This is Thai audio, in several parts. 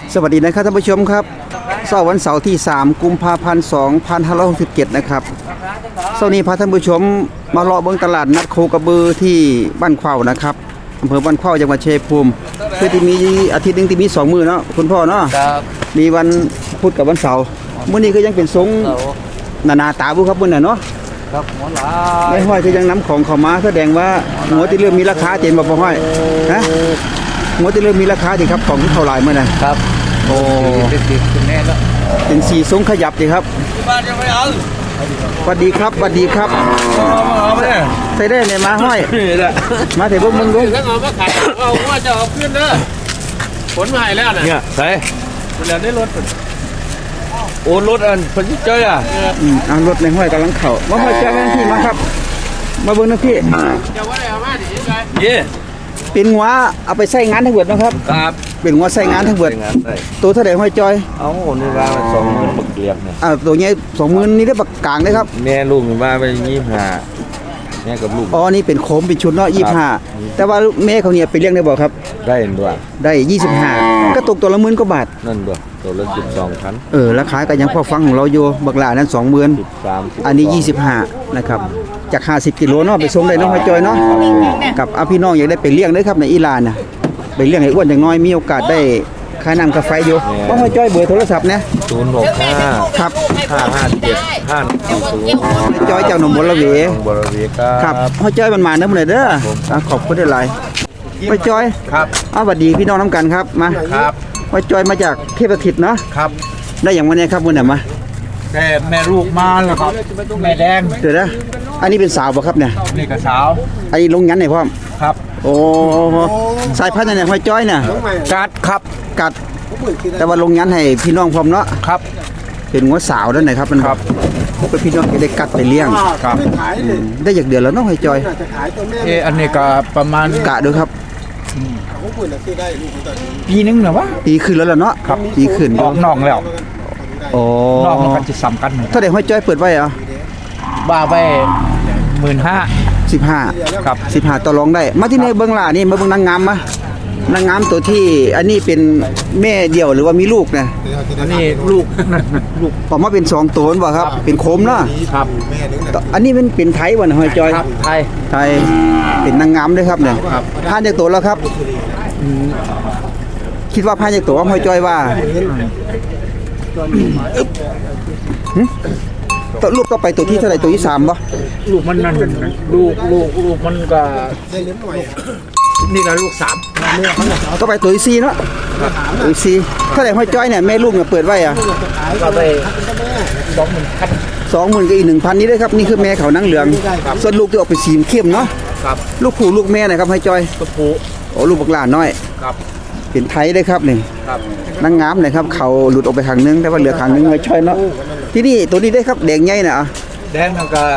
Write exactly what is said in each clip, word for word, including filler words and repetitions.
สวัสดีนะครับท่านผู้ชมครับเสาร์วันเสาร์ที่สามกุมภาพันธ์สองพันห้าร้อยหกสิบเจ็ดนะครับเสาร์นี้พาท่านผู้ชมมาเลาะเบิ่งตลาดนัดโคกระบือที่บ้านเข้านะครับอำเภอบ้านเข้าจังหวัดชัยภูมิคือที่มีอาทิตย์นึงที่มีสองมื้อเนาะคุณพ่อเนาะมีวันพุธกับวันเสาร์มื้อนี้ก็ยังเป็นทรงนานาตาบุครับมื้อน่ะเนาะครับหัวหลาไม่ห้อยคือยังนำของเข้ามาแสดงว่าหัวที่เริ่มมีราคาเจนบ่พอห้อยนะหัวที่เริ่มมีราคาดิครับของเท่าไหร่มื้อน่ะครับโอ้เป็นสีเป็นแน่แล้วเป็นสีทรงขยับดิครับบ้านยังไม่เอาสวัสดีครับสวัสดีครับใส่ได้เนี่ยมาห้อยมาเถอะพวกมึงลุงแล้วเอามาขายเอาว่าจะเอาขึ้นเด้อผลมาให้แล้วน่ะเนี่ยใส่แล้วได้รถโอ้รถอันเพิ่นสิเจออ่ะอืมอ่ารถในห้อยกำลังเข้ามาห้อยแจ้งที่มาครับมาเบิ่งนะพี่จะว่าได้เอามาดิยังไงเย่เป็นหัวเอาไปใส่งานทั้งหมดนะครับครับเป็นหัวใส่งานทั้งหมดตัวเท่าไหร่ห้อยจอยเอานี่ว่าสองหมื่นบักเกลียบเนี่ยอ่าตัวนี้สองหมื่นนี่ได้บักกลางเลยครับแม่ลูกมันว่าไปยี่สิบห้าแม่กับลูกอ๋อนี่เป็นโคมเป็นชุดเนาะยี่สิบห้าแต่ว่าแม่เขาเนี่ยไปเลี้ยงได้บ่ครับได้ด้วยได้ยี่สิบห้าก็ตกตัวละหมื่นกว่าบาทนั่นด้วยตัวละสิบสองพันเออราคาก็ยังพอฟังของเราอยู่บักหลานั้นสองหมื่นอันนี้ยี่สิบห้านะครับจากห้าสิบกิโลเนาะไปส่งได้เนาะห้อยจอยเนาะกับอาพี่น้องอยากได้ไปเลี้ยงได้ครับในอิหร่านน่ะไปเลี้ยงให้อ้วนอย่างน้อยมีโอกาสได้ค่าน้ำค่าไฟอยู่ว่าห้อยจอยเบอร์โทรศัพท์นะศูนย์หกห้าครับห้าห้าเจ็ดห้าสี่ศูนย์ห้อยจอยจากหนองบัวระเวบัวระเวครับห้อยจอยมันมาเด้อมื้อนี้เด้อขอบคุณหลายห้อยจอยครับอ้าวสวัสดีพี่น้องน้ำกันครับมาครับห้อยจอยมาจากเทพสถิตเนาะครับได้อย่างวันนี้ครับมื้อนี้มาแต่แม่ลูกมาแล้วครับแม่แดงเดี๋ยวนะอันนี้เป็นสาวป่ะครับเนี่ยนี่ก็สาวอันนี้ลงยันไหนพ่อครับโอ้สายพันธุ์ไหนห้อยจ้อยเนี่ยกัดครับกัดแต่ว่าลงยันให้พี่น้องพร้อมเนาะครับเป็นงัวสาวด้านไหนครับมันครับเป็นพี่น้องจะได้กัดไปเลี้ยงครับได้จากเดือนแล้วน้องห้อยจ้อยเอออันนี้ก็ประมาณกะดูครับปีนึงเหรอวะปีขึ้นแล้วล่ะเนาะปีขึ้นออกนอกแล้วโอ้นอกมันก็จะซ้ำกันถ้าเด็กห้อยจ้อยเปิดไว้อ่ะบ้าไปหมื่นห้าสิบห้าครับสิบห้าต่อรองได้มาที่ในเบื้องหล่านี่มาเบื้องนางงามมานางงามตัวที่อันนี้เป็นแม่เดี่ยวหรือว่ามีลูกนะอันนี้ลูกลูกออกมาเป็นสองตัวบ่ครับเป็นโคมเนาะครับอันนี้มันเป็นไทยบ่นะห้อยจ้อยไทยไทยเป็นนางงามด้วยครับเนี่ยผ่านจากตัวแล้วครับคิดว่าผ่านจากตัวห้อยจ้อยว่าตัวลูกก็ไปตัวที่เท่าไหร่ตัวที่สามป่ะลูกมันนั่นลูกลูกลูกมันก็นี่ก็ลูกสามก็ไปตัวที่สี่เนาะตัวที่สี่เท่าไหร่ห้อยจ้อยเนี่ยแม่ลูกเนี่ยเปิดไว้อ่ะก็ไปสองหมื่นพันสองหมื่นกับอีกหนึ่งพันนี้ด้วยครับนี่คือแม่เขานั่งเหลืองส่วนลูกที่ออกไปสีเข้มเนาะลูกผู้ลูกแม่นะครับห้อยจ้อยลูกผู้โอ้ลูกบักหลานน้อยเป็นไทยได้ครับนี่นั่งงามเลยครับเขาหลุดออกไปข้างนึงแต่ว่าเหลือข้างนึงห้อยจ้อยเนาะที่นี่ตัวนี้ได้ครับแดงใหญ่น่ะแดงแล้วก็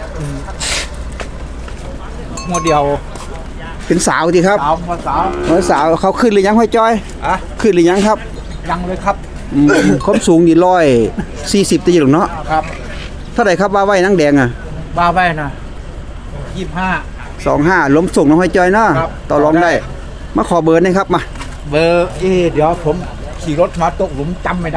โมเดลเป็นสาวดีครับสาวสาวสาวเขาขึ้นหรือยังห้อยจ้อยอะขึ้นหรือยังครับยังเลยครับความสูงนี่ร้อยสี่สิบตีหรอกเนาะครับเท่าไหร่ครับบ้าไว้นั่งแดงอ่ะบ้าไว้นะยี่สิบห้าสองห้าล้มส่งน้องห้อยจ้อยเนาะต่อรองได้มาขอเบอร์นะครับมาเบอร์เอเดี๋ยวผมขี่รถมาตกหลุมจำไม่ได้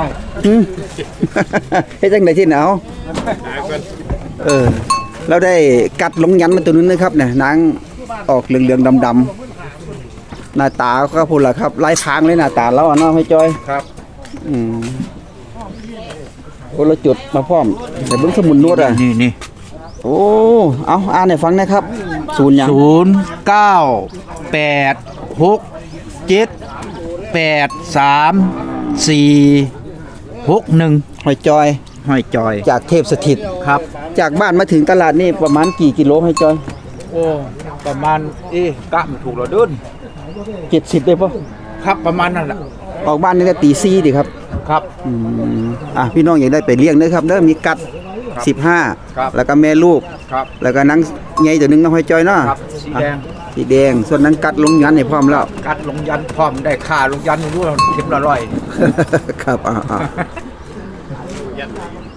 ให้จังไหนที่หนาวเออเราได้กัดลงยันมาตัวนึงนะครับเนี่ยนางออกเหลืองๆดำๆหน้าตาก็พูดละครับลายพางเลยหน้าตาแล้วเนาะห้อยจ้อยครับอืมโอ้เราจุดมาพร้อมแต่เบื้องสมุนนวดอ่ะนี่นี่โอ้เอาอ่านให้ฟังนะครับศูนย์ยังศูนย์เก้าแปดหกเจ็ดแปดสามสี่หกหนึ่งห้อยจอยห้อยจอยจากเทพสถิตครับจากบ้านมาถึงตลาดนี่ประมาณกี่กิโลห้อยจอยโอ้ประมาณเอ๊ะกะมันถูกเราเดินเจ็ดสิบเลยป่ะครับประมาณนั่นแหละออกบ้านนี่ก็ตีสี่ดิครับครับอืมอ่ะพี่น้องอยากได้ไปเลี้ยงด้วยครับเด้อมีกัดสิบห้าแล้วก็แม่ลูกแล้วก็นังใหญ่ตัวนึงน้องห้อยจอยเนาะสีแดงสีแดงส่วนนั้นกัดลงยันให้พร้อมแล้วกัดลงยันพร้อมได้ค่าลงยันรู้เข็มละร้อยครับอ่า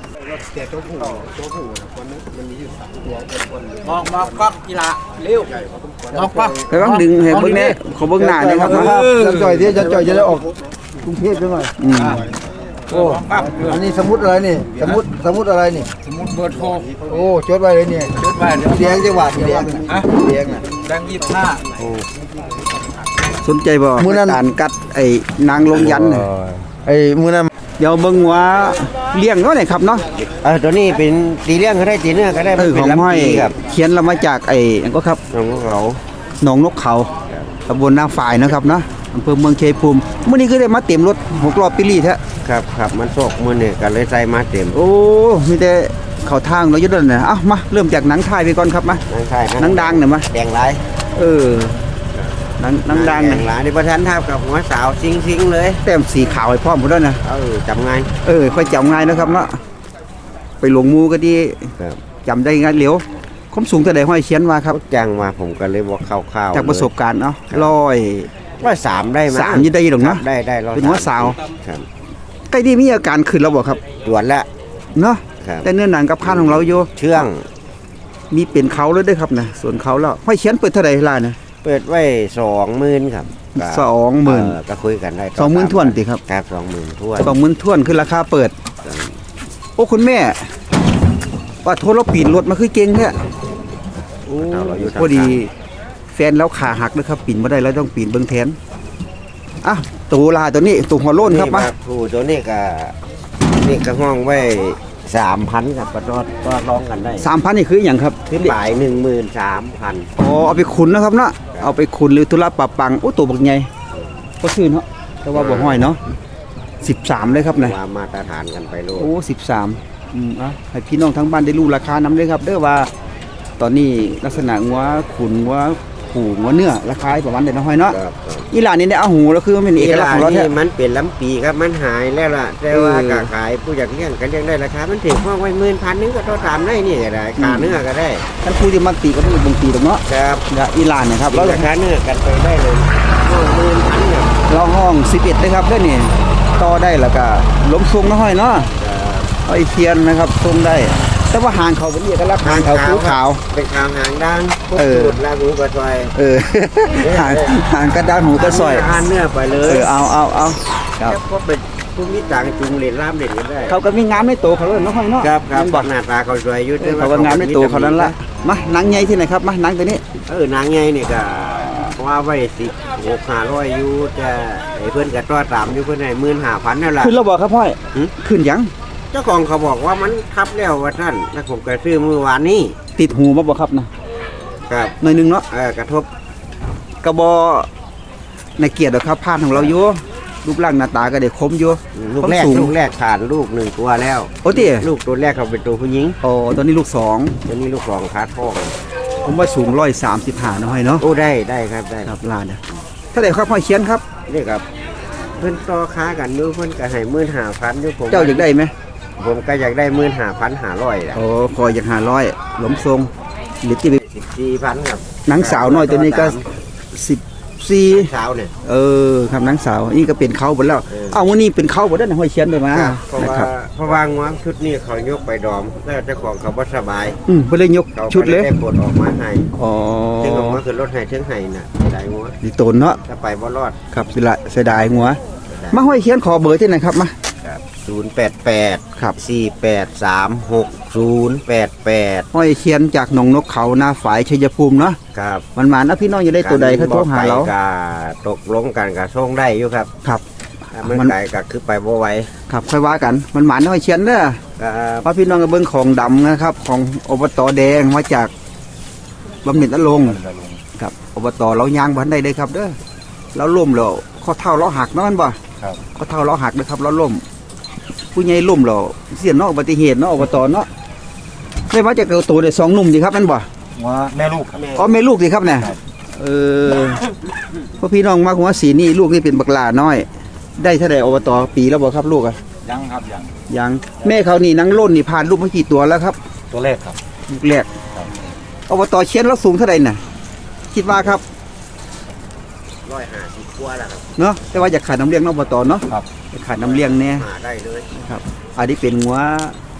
แต่ตัวผู้ตัวผู้คนนั้นมันมีอยู่สามตัวคนมองมองกล้องกีฬาเร็วมองกล้องไปบ้างดึงให้เบิ่งแน่ขอเบิ่งหน้าหนะครับมาจะจ่อยที่จะจ่อยจะได้ออกกรุงเทพด้วยหน่อยอืมโอ้อันนี้สมุดอะไรนี่สมุดสมุดอะไรนี่สมุดเบอร์โทรโอ้จดไว้เลยเนี่ยจดไว้เดี๋ยวเลี้ยงจังหวัดเลี้ยงอ่ะเลี้ยงอ่ะแบงค์ยี่สิบห้าสนใจบ่มื้อนั้นการกัดไอ้นางลงยันน่ะไอ้มือนั้นเดี๋ยวเบิ่งว่าเลี้ยงเนาะนี่ครับเนาะเออตัวนี้เป็นตีเลี้ยงก็ได้ตีเนื้อก็ได้เออเป็ขนองลำห้อยปีครับเขียนเรามาจากไอ้อันก็ครับน้องเขาหนองนกเขาตำบลนาฝ่ายนะครับเนาะอำเภอเมืองชัยภูมิมื้อนี้ก็ได้มาเต็มรถหกล้อปิลี่แท้ครับครับมันโศกมือเนี่ยกันเลยใส่มาเต็มโอ้มีแต่เข้าทางเราอยู่นั่นน่ะเอ้ามาเริ่มจากหนังไทยไปก่อนครับมานั่งใช่หนังดังหน่อยมาแดงหลายเออหนังหนังดังแดน่ะงหลายนี่ประธานทับกับหัวสาวซิงซิงๆเลยแต้มสีขาวให้พร้อมหมดแล้วนะเออจำไงายเออค่อยจำง่ายนะครับเนาะไปหลงมูก็ดีครับจำได้ง่ายเหลียวความสูงเท่าใดห้อยเขียนมาครับจ้างมาผมก็เลยบอกคร่าวๆจากประสบการณ์เนาะร้อยร้อยสามได้ไหมสามยี่ได้หรอกคเนาะรับได้ได้ร้อยเป็นหัวสาวครับใกล้ที่มีอาการขึ้นแล้วบ่ครับตรวจแล้วเนาะครับแต่เนื้อหนังกับข้านของเราอยู่เชื่องมีเป็นเขาเลยเด้วยครับนะส่วนเขาแล้วห้อยเขียนเปิดเท่าใดล่ะนะเปิดไว้สองหมื่นครับก็สองหมื่นเออก็คุยกันได้สองหมื่นถ้วนติครับครับสองหมื่นทวนสองหมื่นท่วนคือราคาเปิด โอ้คุณแม่ว่าโทรเราปีนรถมาคือเก่งแท้โอ้เอาเราอยู่ทางพอดีแฟนแล้วขาหักนะครับปีนไม่ได้แล้วต้องปีนเบิ้งแทนอ่ะตัวลาตัวนี้ตัวหัวโล้นครับนี่มาผู้ตัวนี้ก็นี่ก็ห้องไว้สามพันครับก็รอดก็ร้องกันได้สามพันนี่คืออย่างครับขึ้นหลายหนึ่งหมื่นสามพันอ๋อเอาไปขุนนะครับเนาะเอาไปขุนหรือตุลาปะปังโอ้ตัวบักใหญ่ก็ซื้อเนาะแต่ว่าบ่ห้อยเนาะสิบสามเลยครับนะว่ามาตรฐานกันไปโลดโอ้สิบสามอืมอ่ะให้พี่น้องทั้งบ้านได้รู้ราคานำเลยครับเด้อว่า ตอนนี้ลักษณะงัวขุนงัวผูงัวเนื้อราคาประมาณเด็ดน้อยเนาะครับครับอีหลานนี่ได้เอาหูแล้วคือมันเป็นเอกลักษณ์ของเรานี่แท้มันเป็นลำปีครับมันหายแล้วล่ะแต่ว่าเออก็ขายผู้อยากเลี้ยงกันเลี้ยงได้ราคามันถึงห้องไว้หมื่นพันนึงก็ต้องตามได้นี่ก็ได้ขาเนื้อก็ได้ท่านผู้ที่มักตีก็ต้องบ่งตีดอกเนาะครับอย่าอีหลานเนะครับแล้แล้ว วราคาเนื้อกันไปได้เลยห้องหมื่นพันเนี่ยเราห้องสิบเอ็ดนะครับเด้อนี่ต่อได้แล้วก็ล้มทรงน้อยเนาะเอาไอ้เทียนนะครับทรงได้ แต่ว่าหางเขาเป็นเอกลักษณ์หางเขาคือขาวเป็นขาวหางด้านพวกเออสูตรลาหูกระซอยเออ หางหางกระด้างหูกระสอยทานเนื้อไปเลเอย อเอาเอาเอาครับแล้วก็เป็นผู้มีต่างจุงเหรียญล่ามเหรียญก็ได้เขาก็มีงามในตัวเขาเลยเนาะห้อยเนาะครับครับแม่นบบ่อกหน้าตาเขาสวยอยู่เออเขาก็งามในตัวเขานั้นละมาหนังใหญ่ที่ไหนครับมาหนังตัวนี้เออนางใหญ่นี่ก็ว่าไว้สิบหกห้าร้อยอยู่จะไอ้เพื่อนกับตัวตามอยู่เพื่อนให้หมื่นห้าพันนั่นแหละขึ้นแล้วบอกครับพ่อยหือขึ้นยังเจ้าของเขาบอกว่ามันทับแล้วว่าท่านแล้วผมก็ซื้อมือวานนี้ติดหูมาบอกครับนะครับ หน่อยหนึงเนาะเออกระทบกระบอในเกียรติหรอกครับผ่านของเราอยู่รูปร่างหน้าตาก็ได้คมอยู่ลูกแรกความสูงลูกแรกผ่านลูกหนึ่งตัวแล้วโอ้ติลูกตัวแรกเขาเป็นตัวผู้หญิงโอ้ตอนนี้ลูกสองตัวนี้ลูกสองขาท้องผมว่าสูงร้อยสามสิบห้าน้อยเนาะโอ้ได้ได้ครับได้ครับลานนะถ้าได้ครับพ่อยเขียนครับนี่ครับเพื่อนต่อค้ากันอยู่เพื่อนก็ให้หมื่นห้าพันอยู่ผมเจ้าอยากได้ไหมผมก็อยากได้หมื่นห้าพันห้าร้อยละโอ้คอยอยากหาร้อยหลมทรงหรือที่สิบสี่พันครับหนังสาวน้อยตัวนี้ก็สิบสี่เช้าเนี่ยเออครับหนังสาวนี่ก็เป็นเขาหมดแล้วเออเอาวันนี้เป็นเขาหมดแล้วนะห้อยเขียนไปมาครับเพราะนะว่าครับเพราะว่างวงชุดนี้เขายกไปดอมแล้วเจ้าของเขาบ่สบายอืมไปเลยยกเขาชุดเลยก็ได้ปลดออกมาให้อ๋อซึ่งออกมาคือรถให้เชิงให้น่ะได้งัวดีโตนเนาะถ้าไปบ่รอดครับสิละเสียดายหัว มาห้อยเขียนขอเบอร์ที่ไหนครับมาศูนย์แปดแปดครับสี่แปดสามหกศูนย์แปดแปดห้อยเขียนจากหนองนกเขาหน้าฝายชัยภูมิเนาะครับมันมานะพี่น้องจะได้ตัวใดเขาโทรหาเรากะตกลงกันกับส่งได้อยู่ครับครับถ้ามันมันไกลก็คือไปบ่ไหวครับค่อยว่ากันมันหมานห้อยเขียนเด้อครับเพราะพี่น้องก็เบิ่งของดำนะครับ ของอบตแดงมาจากบำเหน็จนรงค์ครับอบตเรายางบันได้เลยครับเด้อเราล่มแล้วข้อเท้าเราหักเนาะมันบ่ครับข้อเท้าเราหักนะครับเราล่ม ผู้ใหญ่ล่มเราเสียเนาะอุบัติเหตุเนาะอบตเนาะไม่ว่าจะเกิดตัวได้สองหนุ่มดีครับแม่นบ่ว่าแม่ลูกครับอ๋อแม่ลูกดีครับเนี่ยเออพ่อพี่น้องมาหัวสีนี่ลูกนี่เป็นบักหลาน้อย ได้เท่าใดอบตปีแล้วบ่ครับลูกอะยังครับยังยังแม่เขานี่นังล่นนี่ผ่านลูกมากี่ตัวแล้วครับตัวแรกครับลูกแรกอบตเชียนแล้วสูงเท่าใดน่ะ คิดว่าครับร้อยห้าสิบกว่าแล้วครับเนาะแต่ว่าอยากขาดน้ำเลี้ยงเนาะอบตเนาะครับอยากขาดน้ำเลี้ยงแน่หาได้เลยครับอันนี้เป็นหัว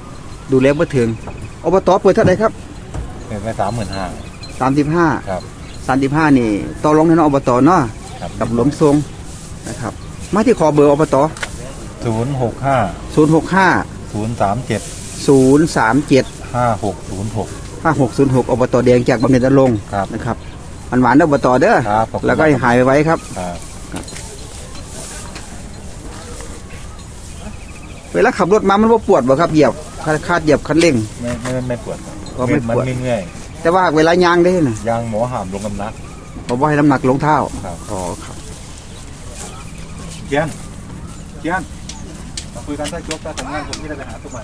ดูแลบ่ถึงอบตเปิดเท่าไหร่ครับเป็นไปสามหมื่นห้าสามสิบห้าครับสามสิบห้านี่ต่อรองในอบตเนาะครับกับหลวมทรงนะครับมาที่ขอเบอร์อบตศูนย์หกห้าศูนย์หกห้าศูนย์สามเจ็ดศูนย์สามเจ็ดห้าหกศูนย์หกห้าหกศูนย์หกอบตแดงจากบำเหน็จนรงค์ครับนะครับหวานๆเด้ออบตเด้อครับขอบคุณแล้วก็ให้หายไว้ครับครับเวลาขับรถมามันบ่ปวดบ่ครับเหยียบคาดเหยียบคันเร่งไม่ไม่ไม่ปวดก็ไม่ปวดนไม่เมื่อยแต่ว่าเวลายางได้น่ะยางหมอหามลงกำนักบ่บ่ให้น้ำหนักลงเท้าครับอ๋อครับเกียนเกียนมาคุยกันถ้าจบถ้าทำงานผมที่ได้ไปหาตัวใหม่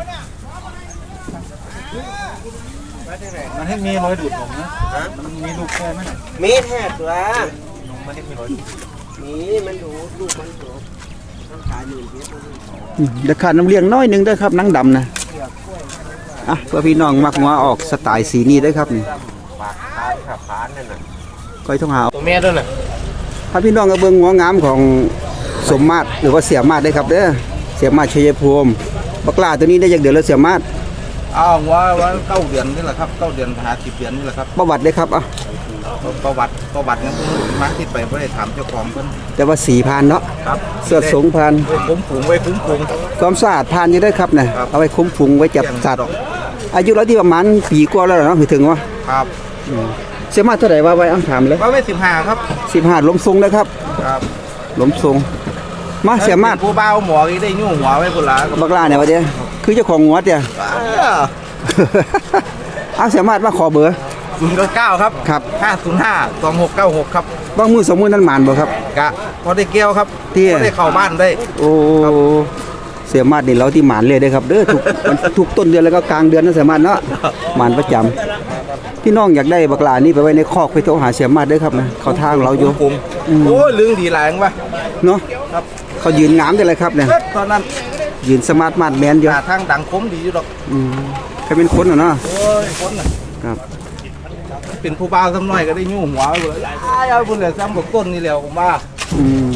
มันให้มีรอยดูดผมนะมันมีลูกแค่ไหมมีแท้ตัวมันให้มีรอยดูดมีมันดูลูกมันดูต้องขายหมื่นเดียวอืมเดี๋ยวขาดน้ำเลี้ยงน้อยหนึงเด้อครับหนังดำนะอ่ะเพื่อพี่น้องมักงัวออกสไตล์สีนี้เด้อครับนี่ปากพานขับพานนั่นน่ะก้อยทองหาวตัวแม่ด้วยน่ะถ้าพี่น้องก็เบิ่งงัวงามของสมมาตรหรือว่าเสียมาตรได้ครับเด้อเสียมาตรชัยภูมิบักลาตัวนี้ได้จากเดือนแล้วเสียมาตรอ้าวว่าว่าเก้าเดือนนี่แหละครับเก้าเดือนหาสิบเดือนนี่แหละครับประวัติได้ครับอ่ะประวัติประวัติเนี่ยผมมาที่ไปไม่ได้ถามเจ้าของเพิ่นแต่ว่าสีพานเนาะครับเสื้อสงพานไว้คุ้มฝูงไว้คุ้มฝูงความสะอาดพานอยู่ได้อครับเนี่ยครับเอาไว้คุ้มฟุงไว้จับสัตว์ดอกอายุเราที่ประมาณปีกว่าแล้วเนาะถึงว่าครับเสียมาตรเท่าไหร่ว่าไว้อ้างถามเลยว่าไว้สิบห้าครับสิบห้าล้มทรงนะครับครับล้มทรงมาเสียมาตรผู้เบาหมออีได้ยุ่งหัวไว้พุ่นละบักลาเนี่ยวะเดียคือเจ้าของงัวเดีย เอาเสียมาตรมาขอเบอร์ศูนย์เก้าครับครับห้าศูนย์ห้าสองหกเก้าหกครับบางมือสองมือนั่นหมานบ่ครับกะพอได้เกี่ยวครับเตี้ยพอได้เข้าบ้านได้โอ้เสียมาตรนี่เราที่หมานเลยเด้อครับเด้อทุก วันทุกต้นเดือนแล้วก็กลางเดือนนะเสียมาตรเนาะหมานประจำพี่น้องอยากได้บักลานี่ไปไว้ในคอกไปโทรหาเสียมาตรเด้อครับนะเขาทางเราอยู่ผมอืมโอ้ยลึงดีหลายจังวะเนาะครับเขายืนงามได้เลยครับเนี่ยตอนนั้นยืนสมาร์ทมาร์ทแมนอยู่หาทางดังคมดีอยู่ดอกอืมใครเป็นคนเหรอเนาะโอ้ยคนน่ะครับเป็นผู้เบาสักหน่อยก็ได้ยุ่งหัวไปเลยอ้ายเอาพุ่นเลยซ้ำกับต้นนี่แหล้วผมว่าอืม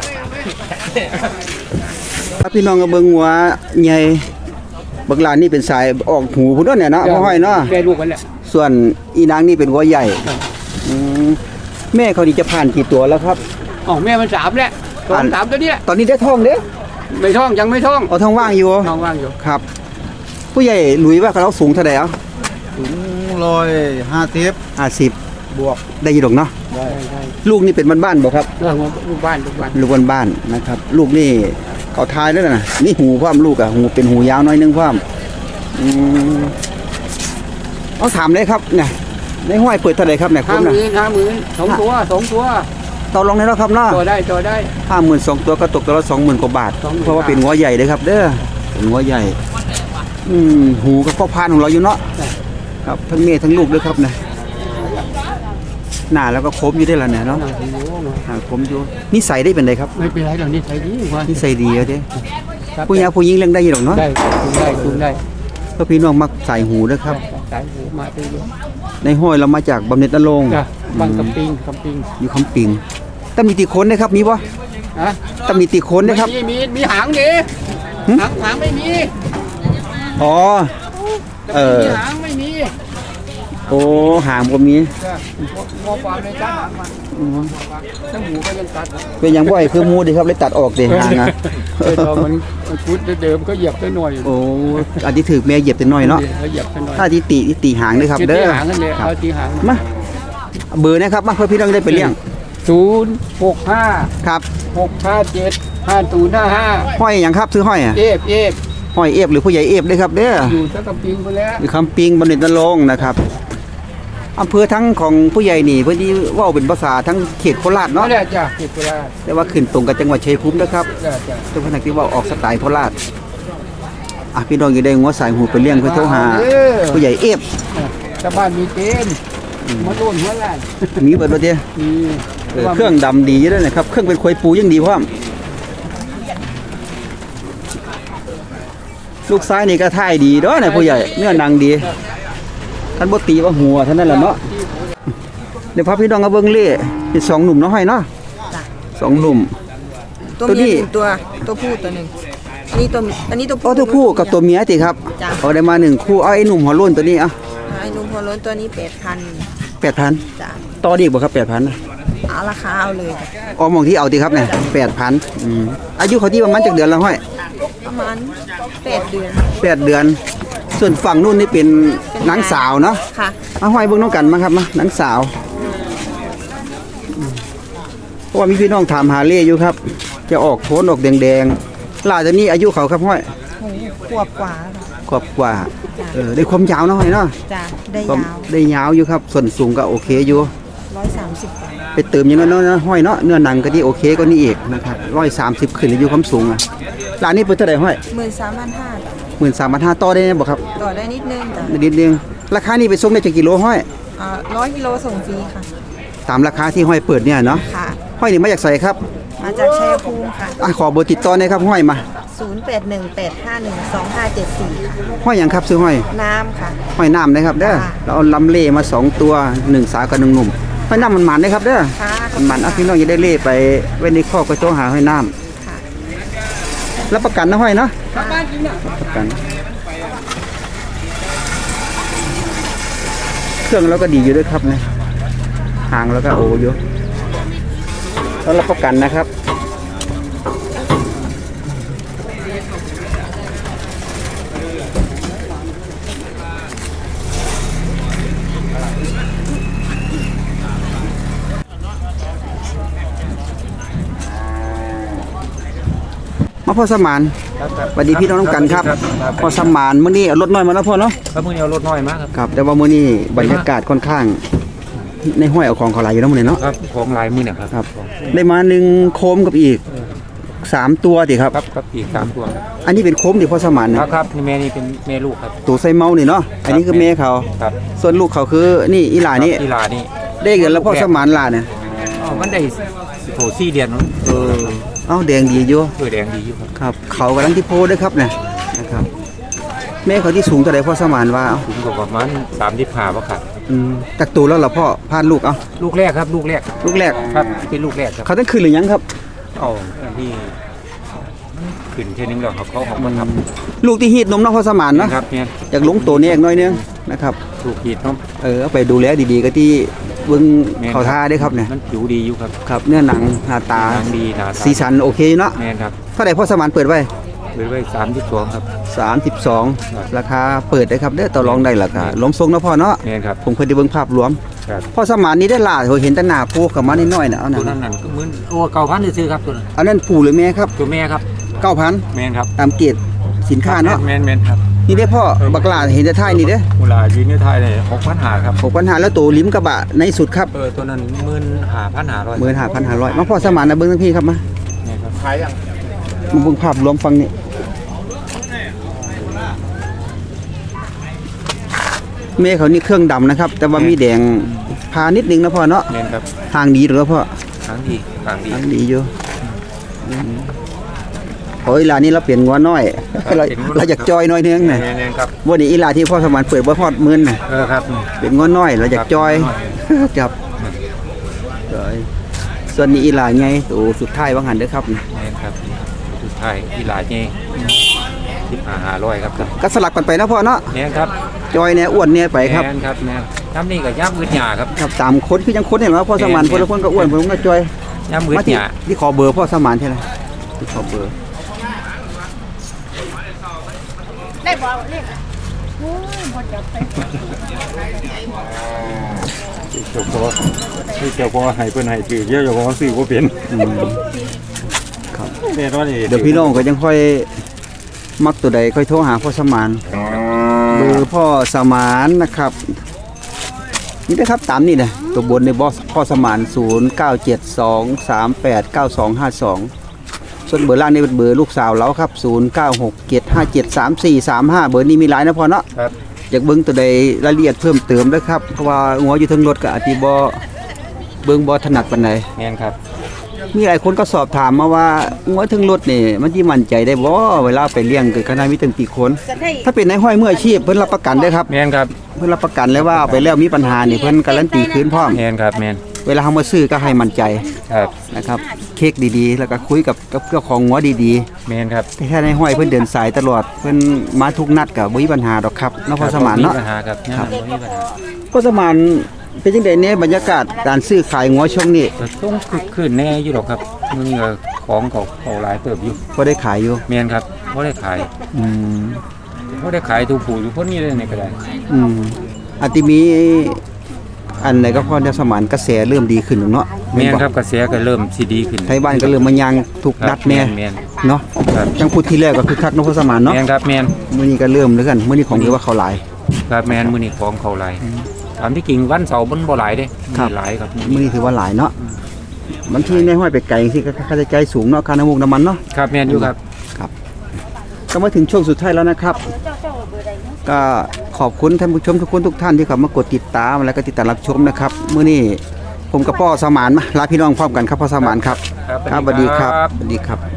ถ้าพี่น้องก็เบิ่งหัวใหญ่บักลานี่เป็นสายออกหูพุ่นเนาะเนี่ยเนาะบ่ห้อยเนาะแม่ลูกกันแหละส่วนอีนางนี่เป็นหัวใหญ่อืมแม่เขานี่จะผ่านกี่ตัวแล้วครับอ๋อแม่มันสามแหละสองสามตัวนี้แหละตอนนี้ได้ท้องเด้ไม่ท้องยังไม่ท้องเอาท้องว่างอยู่ท้องว่างอยู่ครับ ผู้ใหญ่หลุยว่าเขาสูงเท่าไหร่อ่ะถึงร้อยห้าสิบห้าสิบบวกได้ยินดอกเนาะใช่ใช่ลูกนี่เป็นบ้านๆบ่ครับเรื่องของลูกบ้านลูกบ้านลูกบ้านๆนะครับ ลูกนี่เขาทายแล้วนะนี่หูความลูกอะหูเป็นหูยาวน้อยนึงความอืมเอาถามเลยครับเนี่ยในห้อยเปิดเท่าไหร่ครับเนี่ยคุห้าณหนะมื่นห้าหมื่นสองตัวสองตัวต่อรองได้แล้วครับเนาะตัวได้ตัวได้ห้าหมื่นสองตัวก็ตกตัวละสองหมื่นกว่าบาทสองหมื่นเพราะว่าเป็นหัวใหญ่เลยครับ เด้อเป็นหัวใหญ่ อืมหูก็พ่อพานของเราอยู่เนาะครับทั้งเมียทั้งลูกด้วยครับเนี่ยหน้าแล้วก็คมอยู่ได้แล้วเนี่ยเนาะหน้าคมอยู่นิสัยได้เป็นไรครับไม่เป็นไรหรอกนี่ใช้ดีกว่านิสัยดีเอาเด้ครับผู้หญิงผู้หญิงเลี้ยงได้อยู่หรอกเนาะได้จุงได้จุงได้ก็พี่น้องมักใส่หูนะครับสายหูมาไปเยอะในห้อยเรามาจากบำเหน็จนรงค์จ้ะบางกำปิงกำปิงอยู่คำปิงตำหนิติโคนนะครับมีบ่ฮะตำหนิติโคนนะครับมีมีมีหางดิหึหางหางไม่มีอ๋อ เออมีหางไม่มีโอ้หางบ่มีจ้ะงอความเลยจ้าหางมันทั้งหูก็ยังตัดเป็นอย่างบ่อยคือหมูดิครับเลยตัดออกเด้หางอ่ะเออตอนมันมันคุดเดิมก็เหยียบไปหน่อยโอ้อันที่ถือแม่เหยียบแต่น้อยเนาะเขาเหยียบไปหน่อยถ้าที่ตีที่ตีหางด้วยครับตีเด้อหางกันเลยครับเอาตีหางมาเบอร์นะครับมาเพื่อพี่น้องได้ไปเลี้ยงศูนย์หกห้าครับหกห้าเจ็ดห้าศูนย์ห้าห้าห้อยอย่างครับซื้อห้อยอ่ะเอฟเอฟห้อยเอฟหรือผู้ใหญ่เอฟด้วยครับเด้ออยู่สักกำปิงไปแล้วอยู่คำปิงบำเหน็จนรงค์นะครับอำเภอทั้งของผู้ใหญ่นี่เพื่อที่เว่าเป็นภาษาทั้งเขตโคราชเนาะเนาะเนี่ยจ้ะเก็บไปแล้วแต่ว่าขึ้นตรงกับจังหวัดชัยภูมินะครับจ้ะจ้ะทุกคนที่ว่าออกสไตล์โคราชอ่ะพี่น้องอยู่ได้งัวสายหูไปเลี้ยงเพื่อโทรหา ผู้ใหญ่เอฟชาวบ้านมีเกณฑ์มาโดนหัวล้านมีเบิดบ่เด้มีเออเครื่องดำดีอยู่ด้วยนะครับเครื่องเป็นควยปูยังดีพร้อมลูกซ้ายนี่ก็ท่ายดีเด้อเนี่ยผู้ใหญ่เนื้อหนังดีท่านบ่ตีว่าหัวเท่านั้นแหละเนาะเดี๋ยวพาพี่น้องมาเบิ่งเล่เป็นสองหนุ่มเนาะห้อยเนาะสองหนุ่มตัวตัวนี้เมียหนึ่งตัวตัวผู้ตัวหนึ่งนี่ตัวอันนี้ตัวโอ้ตัวผู้กับตัวเมียติครับจ้ะเอาได้มาหนึ่งคู่เอาไอ้หนุ่มหัวโล้นตัวนี้อ่ะไอ้นุ่มหัวโล้นตัวนี้แปดพันแปดพันจ้ะต่อดีกบ่ครับแปดพันเอาราคาเอาเลยจ้ะอ๋อมองที่เอาติครับเนี่ยแปดพันอายุเขาที่ประมาณจากเดือนละห้อยประมาณแปดเดือนแปดเดือน ส่วนฝั่งนู้นนี่เป็นนางสาวเนาะค่ะเอาห้อยเบิ่งน้องกันมาครับมานางสาวเพราะว่ามีพี่น้องถามหาเล่อยู่ครับ จะออกโทนออกแดงๆล่าตัวนี้อายุเขาครับห้อยโอ้โหขวบกว่าแล้วค่ะกว่าๆกว่าเออได้ความยาวเนาะห้อยเนาะจ้ะได้ความยาวได้ยาวอยู่ครับส่วนสูงก็โอเคอยู่ร้อยสามสิบกว่าไปเติมอย่างนั้นเนาะนะห้อยเนาะเนื้อหนังก็ที่โอเคก็นี่อีกนะครับร้อยสามสิบขึ้นอยู่ความสูงอ่ะร้านนี้เปิดเท่าไหร่ห้อยหมื่นสามพันห้าหมื่นสามพันห้าต่อได้ไหมบอกครับต่อได้นิดนึงจ้ะนิดนึงราคานี้ไปส่งได้จากกิโลห้อยอ่าร้อยกิโลส่งฟรีค่ะตามราคาที่ห้อยเปิดเนี่ยเนาะค่ะห้อยนี่มาจากใส่ครับมาจากชัยภูมิค่ะอ่ะขอเบอร์ติดต่อหน่อยครับห้อยมาศูนย์ แปด หนึ่ง แปด ห้า หนึ่ง สอง ห้า เจ็ด สี่ค่ะห้อยอย่างครับซื้อห้อยน้ำค่ะห้อยน้ำนะครับเด้อค่ะเราเอาลำเล่มาสองตัวหนึ่งสาวกับหนึ่งหนุ่มห้อยน้ำมันหมันนะครับเด้อค่ะมันหมันอ่ะพี่น้องจะได้เล่ไปไว้ในคอกก็โตหาห้อยน้ค่ะำรับประกันนะห้อยเนาะค่ะประกันเครื่องเราก็ดีอยู่ด้วยครับเนี่ยหางแล้วก็โออยู่แล้วรับประกันนะครับมาพ่อสมานสวัสดีพี่น้องน้ำกันครับพ่อสมานมื้อนี้เอารถน้อยมาแล้วพ่อเนาะครับมื้อนี้เอารถน้อยมาครับครับแต่ว่ามื้อนี้บรรยากาศค่อนข้าง ในห้อยเอาของเขาหลายอยู่แล้วมื้อนี้เนาะครับของลายมื้อเนี่ยครับครับ ได้มาหนึ่งโคมกับอีกสามตัวติครับครับครับอีกสามตัวครับอันนี้เป็นโคมที่พ่อสมานคนะรับครับนี่แม่นี่เป็นแม่ลูกครับตัวไซเมานี่เนาะอันนี้คือแม่เขาครับส่วนลูกเขาคือนี่อีหลานี่อีหลานี่ได้เงินแล้วพ่อสมานหลาเนี่ยอ๋อมันได้โถสี่เดือนเนาะเออเอ้าแดงดีอยู่เออแดงดีอยู่ครับครับ เขากำลังที่โพด้วยครับเนี่ยนะครับแม่เขาที่สูงเท่าไหร่พ่อสมานว่าเอาถึงกว่าประมาณสามสิบห้าบ่ครับอืมจากตัวแล้วเหรอพ่อพานลูกเอาลูกแรกครับลูกแรกลูกแรกครับเป็นลูกแรกครับเขาต้องคืนหรือยังครับอ๋ออันที่ขึ้นเท่นึงแล้วครับเขาออกมาทลูกที่ฮีดนมเนาะพ่อสมานำเนาะนะครับเนี่ยอยากลงตัวนี้อีกหน้อยนึงนะครับลูกขีดเนาะเออเอาไปดูแลดีๆก็ที่เบิ้งเขาท่าได้ครับเนี่ยมันผิวดีอยู่ครับครับเนื้อหนังหน้าตาหนังดีหนาตาสีสันโอเคเนาะแม่นครับเท่าไหร่พ่อสมานเปิดไว้เปิดไว้สามสิบสองครับสามสิบสองครับราคาเปิดได้ครับเด้อต่อรองได้ราคาล้มทรงนะพ่อเนาะแม่นครับผมเคยได้เบิ่งภาพรวมครับพ่อสมานนี้ได้ล่าเห็นแต่หน้าปูเข้ามานิดหน่อยน่ะเอาตัวน่ะนั้นนั่นก็เหมือนโอ้เก่าพันซื้อครับตัวนั้นอันนั้นปู่หรือแม่ครับตัวแม่ครับเก้าพันแม่นครับตามเกณฑ์สินค้าเนาะแม่นแม่นครับนี่ได้พ่อบักหลาเห็นแต่ท้ายนี่เด้อเวลายืนในไทยเนี่ยหกพันหาครับหกพันห้าแล้วตัวลิ้มกระบะในสุดครับเออตัวนั้นหมื่นหาพันหาร้อยหมื่นห้าพันห้าร้อยมาพ่อสมานนะเบิ่งทั้งพี่ครับมานี่ครับขายยังมาเบิ่งภาพรวมฟังนี่แม่เขานี่เครื่องดำนะครับ แต่ว่ามีแดงพานิดนึงนะพ่อเนาะแม่นครับทางดีหรือพ่อทางดีทางดีทางดีอยู่โอ้ยอีหลานี่เราเปลี่ยนงัวน้อยเราเราอยากจอยน้อยนึงน่ะแม่นครับวันนี้อีหลาที่พ่อสมานเปิดบ่ฮอดหมื่นน่ะเออครับเป็นงัวน้อยเราอยากจอยครับจอยส่วนนี้อีหลาไงตัวสุดท้ายว่าหันเด้อครับแม่นครับสุดท้ายที่หลายเงี้ยสิบห้าหาร้อยครับก็สลับกันไปนะพ่อเนาะแม่นครับจอยเนี่ยอ้วนเนี่ยไปครับแม่นครับแม่นย้ำนี่กับย้ำมืดหยาครับครับตามคนคือยังคนเห็นไหมพ่อสมานคนละคนก็อ้วนผมก็จอยย้ำมืดมาหที่ยาที่ขอเบอร์พ่อสมานใช่ไหมที่ขอเบอร์เจ้าพ่อที่เจ้าพ่อให้เพิ่นให้ถือเยอะเจ้าพ่อซื้อบ่เป็นอืมครับแม่นว่านี่เดี๋ยวพี่น้องก็ยังค่อยมักตัวใดค่อยโทรหาพ่อสมานเบอร์พ่อสมานนะครับนี่นะครับตามนี่นะตัวบนในบอสพ่อสมานศูนย์เก้าเจ็ดสองสามแปดเก้าสองห้าสองส่วนเบอร์ล่างนี่เป็นเบอร์ลูกสาวเราครับศูนย์เก้าหกเจ็ดห้าเจ็ดสามสี่สามห้าเบอร์นี้มีหลายนะพ่อเนาะครับอยากเบิ่งตัวใดรายละเอียดเพิ่มเติมนะครับเพราะว่าหัวอยู่เทั้งรถก็อาจสิบ่เบิ่งบ่ถนัดปานใดแม่นครับมีหลายคนก็สอบถามมาว่าหัวเทั้งรถนี่มันสิมั่นใจได้บ่เวลาไปเลี้ยงเกิดขนาดมีตั้งกี่คน ถ้าเป็นนายห้อยมืออาชีพเพิ่นรับประกันได้อครับแม่นครับเพิ่นรับประกันเลยว่าเอาไปแล้วมีปัญหานี่เพิ่นการันตีคืนพร้อมแม่นครับแม่นเวลาเฮามาซื้อก็ให้มั่นใจครับนะครับเค้กดีๆ แล้วก็คุยกับกับเจ้าของงัวดีแม่นครับๆแต่ถ้าในห้อยเพิ่นเดินสายตลอดเพิ่นมาทุกนัดก็บ่มีปัญหาดอกครับเนาะพ่อสมานเนาะปัญหาครับครับบ่มีปัญหาพ่อสมานเป็นจังได๋แน่บรรยากาศการซื้อขายงัวช่วงนี้ก็ต้องคึกคืนแน่อยู่หรอกครับมื้อนี้ก็ของเขาเขาหลายเติบอยู่บ่ได้ขายอยู่แม่นครับบ่ได้ขายอืมบ่ได้ขายถูกผู้อยู่คนนี้เลยนี่ก็ได้อืมอาจสิมีอันไหนก็พ่อเจ้าสมานกระแสเริ่มดีขึ้นแล้วเนาะแม่นครับกระแสก็เริ่มสิดีขึ้นไทยบ้านก็เริ่มมายางทุกครับนัดแน่แม่นเนาะครับจังพูดที่แรกก็คือคักเนาะพ่อสมานเนาะแม่นครับแม่นมื้อนี้ก็เริ่มแล้วกันมื้อนี้ของถือว่าเขาหลายครับแม่นมื้อนี้ของเขาหลายตามที่จริงวันเสาร์มันบ่หลายเด้ครับมีหลายครับมื้อนี้ถือว่าหลายเนาะบางทีในห้อยไปไกลจังซี่ก็ค่าใช้จ่ายสูงเนาะค่าน้ำมูกน้ำมันเนาะครับแม่นอยู่ครับก็มาถึงช่วงสุดท้ายแล้วนะครับ ก็ขอบคุณท่านผู้ชมทุกคนทุกท่านที่เข้ามากดติดตามและก็ติดตามรับชมนะครับมื้อนี้ผมกับพ่อสมานมาลาพี่น้องพร้อมกันครับพ่อสมานครับครับครับสวัสดีครับสวัสดีครับ